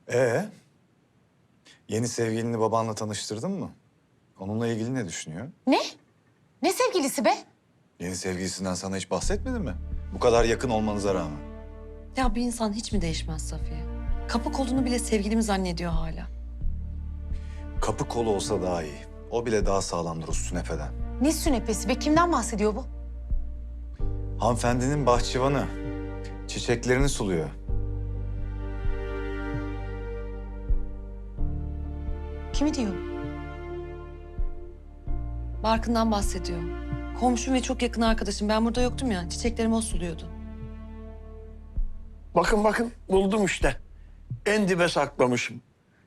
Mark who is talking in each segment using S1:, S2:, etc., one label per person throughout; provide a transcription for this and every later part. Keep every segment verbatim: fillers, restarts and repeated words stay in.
S1: Ee, yeni sevgilini babanla tanıştırdın mı? Onunla ilgili ne düşünüyor?
S2: Ne? Ne sevgilisi be?
S1: Yeni sevgilisinden sana hiç bahsetmedi mi? Bu kadar yakın olmanıza rağmen.
S3: Ya bir insan hiç mi değişmez Safiye? Kapı kolunu bile sevgilimi zannediyor hala.
S1: Kapı kolu olsa daha iyi. O bile daha sağlamdır o sünefeden.
S2: Ne sünepesi be? Kimden bahsediyor bu?
S1: Hanımefendinin bahçıvanı. Çiçeklerini suluyor.
S2: Kimi diyor?
S3: Barkın'dan bahsediyor. Komşum ve çok yakın arkadaşım. Ben burada yoktum ya. Çiçeklerimi o suluyordu.
S4: Bakın bakın buldum işte. En dibe saklamışım.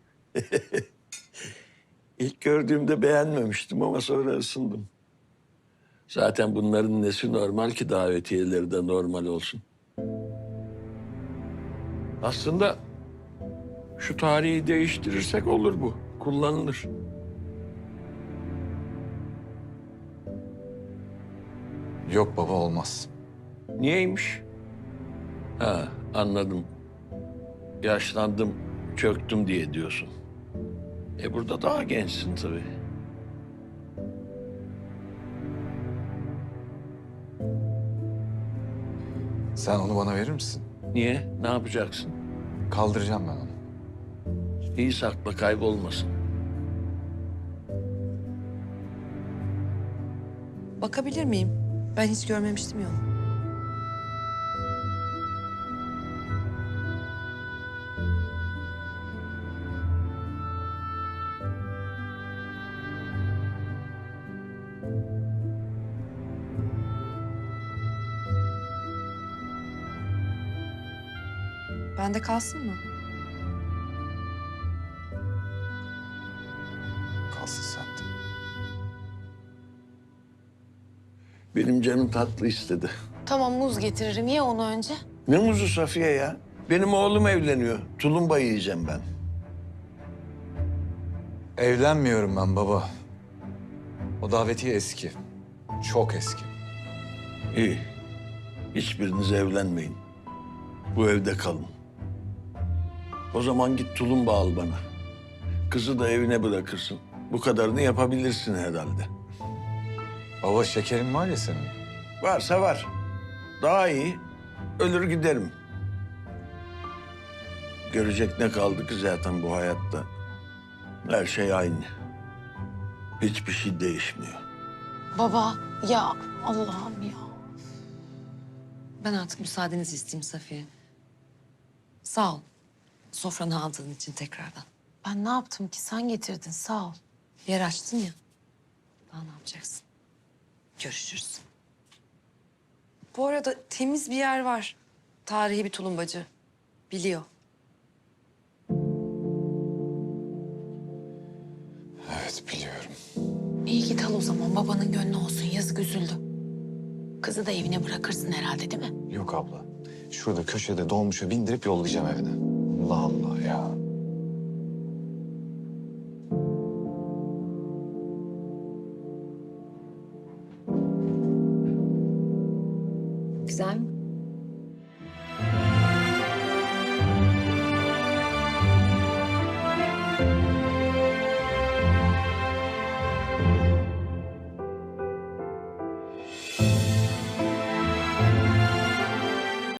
S4: İlk gördüğümde beğenmemiştim ama sonra ısındım. Zaten bunların nesi normal ki davetiyeleri de normal olsun. Aslında şu tarihi değiştirirsek olur bu. Kullanılır.
S1: Yok baba olmaz.
S4: Niyeymiş? Ha, anladım. Yaşlandım, çöktüm diye diyorsun. E burada daha gençsin tabii.
S1: Sen onu bana verir misin?
S4: Niye? Ne yapacaksın?
S1: Kaldıracağım ben onu.
S4: İyi sakla, kaybolmasın.
S3: Bakabilir miyim? Ben hiç görmemiştim ya. Bende kalsın mı?
S1: Kalsın sende.
S4: Benim canım tatlı istedi.
S2: Tamam muz getiririm. Ye onu önce.
S4: Ne muzu Safiye ya? Benim oğlum evleniyor. Tulumba yiyeceğim ben.
S1: Evlenmiyorum ben baba. O davetiye eski. Çok eski.
S4: İyi. Hiçbiriniz evlenmeyin. Bu evde kalın. O zaman git tulumba al bana. Kızı da evine bırakırsın. Bu kadarını yapabilirsin herhalde.
S1: Baba şekerin var ya senin.
S4: Varsa var. Daha iyi. Ölür giderim. Görecek ne kaldı ki zaten bu hayatta? Her şey aynı. Hiçbir şey değişmiyor.
S2: Baba ya Allah'ım ya.
S3: Ben artık müsaadenizi isteyeyim Safiye. Sağ ol. Sofranı aldığın için tekrardan.
S2: Ben ne yaptım ki? Sen getirdin. Sağ ol.
S3: Yer açtın ya. Daha ne yapacaksın? Görüşürüz. Bu arada temiz bir yer var. Tarihi bir tulumbacı. Biliyor.
S1: Evet biliyorum.
S2: İyi git al o zaman. Babanın gönlü olsun. Yazık üzüldü. Kızı da evine bırakırsın herhalde değil mi?
S1: Yok abla. Şurada köşede dolmuşa bindirip yollayacağım evine. Allah Allah ya.